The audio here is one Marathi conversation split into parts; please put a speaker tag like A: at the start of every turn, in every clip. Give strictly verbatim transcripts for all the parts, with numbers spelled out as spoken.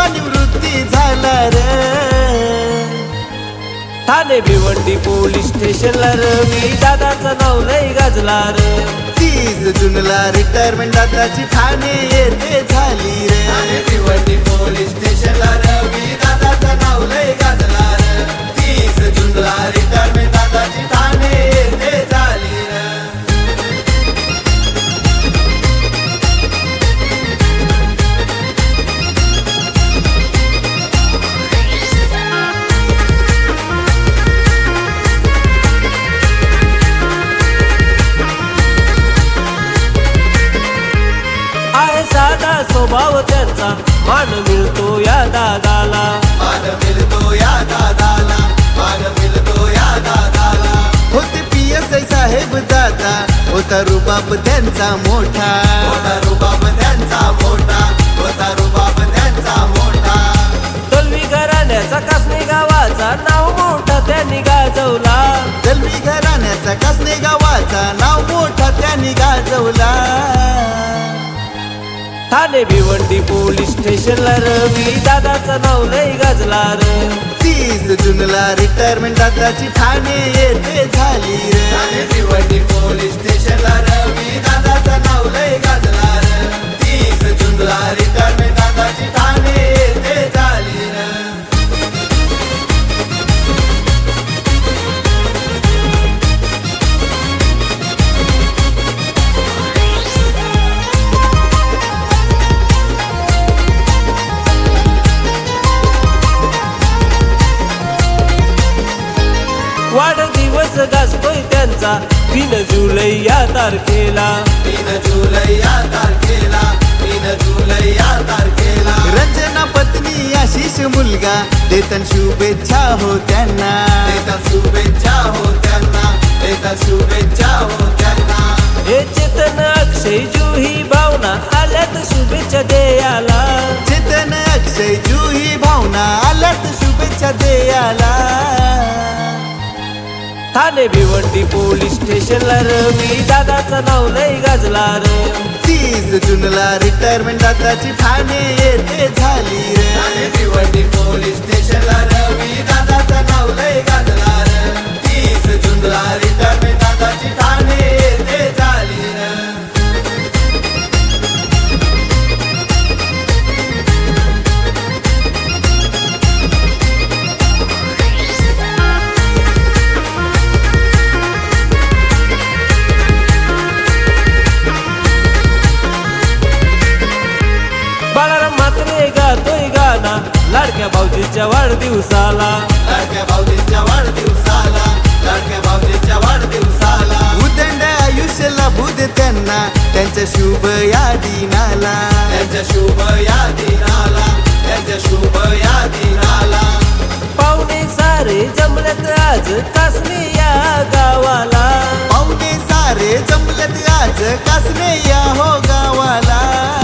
A: सेवानिवृत्ती झाला रे।
B: ठाणे भिवंडी पोलीस स्टेशनला रवी दादाचं नाव लय गाजला रे।
A: तीस जूनला रिटायरमेंट दादाची ठाणे येथे झाली रे।
C: ठाणे भिवंडी पोलीस स्टेशनला रवी दादाचं नाव लय गाजला रे। तीस जूनला रिटायरमेंट दादाची ठाणे येथे झाली रे।
B: आहे साधा स्वभाव त्यांचा मान मिळतो या दादाला।
C: मान मिळतो या दादाला, मान मिळतो या दादाला।
A: होते पी एस आय साहेब दादा, होता रुबाब त्यांचा मोठा।
C: होता रुबाब त्यांचा मोठा, होता रुबाब त्यांचा मोठा।
B: दलवी घराण्याचा कासने गावाचा नाव मोठा त्यांनी गाजवला।
A: दलवी घराण्याचा कासने गावाचा नाव मोठा त्यांनी गाजवला।
B: ठाणे भिवंडी पोलीस स्टेशनला रवी दादाचं नाव लय गाजला रे।
A: तीस जूनला रिटायरमेंट दादाची ठाणे येथे झाली रे।
C: ठाणे भिवंडी पोलीस स्टेशनला रवी दादाचं नाव लय गाजला रे। तीस जूनला रिटायरमेंट दादाची ठाणे येथे झाली रे।
B: वाढदिवस गाजतोय त्यांचा तीन जुलै या तारखेला।
C: तीन जुलै या तारखेला, तीन जुलै या तारखेला।
A: रंजना पत्नी आशिष मुलगा देतन शुभेच्छा हो त्यांना।
C: देतात शुभेच्छा हो त्यांना, देतात शुभेच्छा हो त्यांना।
B: हे चेतन अक्षय जुही भावना आल्यात शुभेच्छा द्यायला।
A: चेतन अक्षय जुही भावना आल्यात शुभेच्छा द्यायला।
B: ठाणे भिवंडी पोलीस स्टेशनला रवी दादाचं नाव लय गाजला रे।
A: तीस जूनला रिटायरमेंट दादाची ठाणे येथे झाली रे।
C: ठाणे भिवंडी पोलीस स्टेशनला रवी दादाचं नाव लय गाजला रे। तीस जूनला रिटायरमेंट दादाची ठाणे येथे झाली रे।
B: बाळाराम म्हात्रे गातोय गाणा लाडक्या भाऊजीच्या वाढदिवसाला।
C: लाडक्या भाऊजीच्या वाढदिवसाला, लाडक्या भाऊजीच्या वाढदिवसाला।
A: उदंड आयुष्य लाभू दे त्यांना त्यांच्या शुभ या दिनाला।
C: त्यांच्या शुभ या दिनाला, त्यांच्या शुभ या दिनाला।
B: पाहुणे सारे जमलेत आज कासने या गावाला।
A: पाहुणे सारे जमलेत आज कासने या हो गावाला।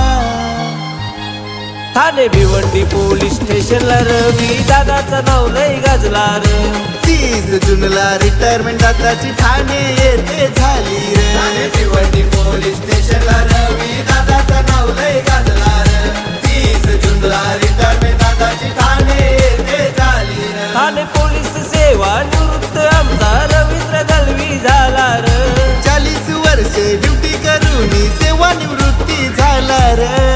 B: ठाणे भिवंडी पोलीस स्टेशनला रवी दादाचं नाव लय गाजला रे।
A: तीस जूनला रिटायरमेंट दादाची ठाणे येथे झाली रे।
C: ठाणे भिवंडी पोलीस स्टेशनला रवी दादाचं नाव लय गाजला रे। तीस जूनला रिटायरमेंट दादाची ठाणे येथे झाली रे।
B: ठाणे पोलीस सेवा निवृत्त आमचा रवींद्र दलवी झाला रे।
A: चाळीस वर्ष ड्युटी करून सेवानिवृत्ती झाला रे।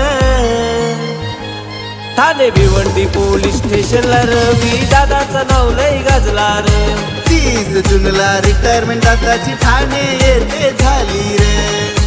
B: ठाणे भिवंडी पोलीस स्टेशनला रवी दादाचं नाव लय गाजला रे।
A: तीस जूनला रिटायरमेंट दादाची ठाणे येथे झाली रे।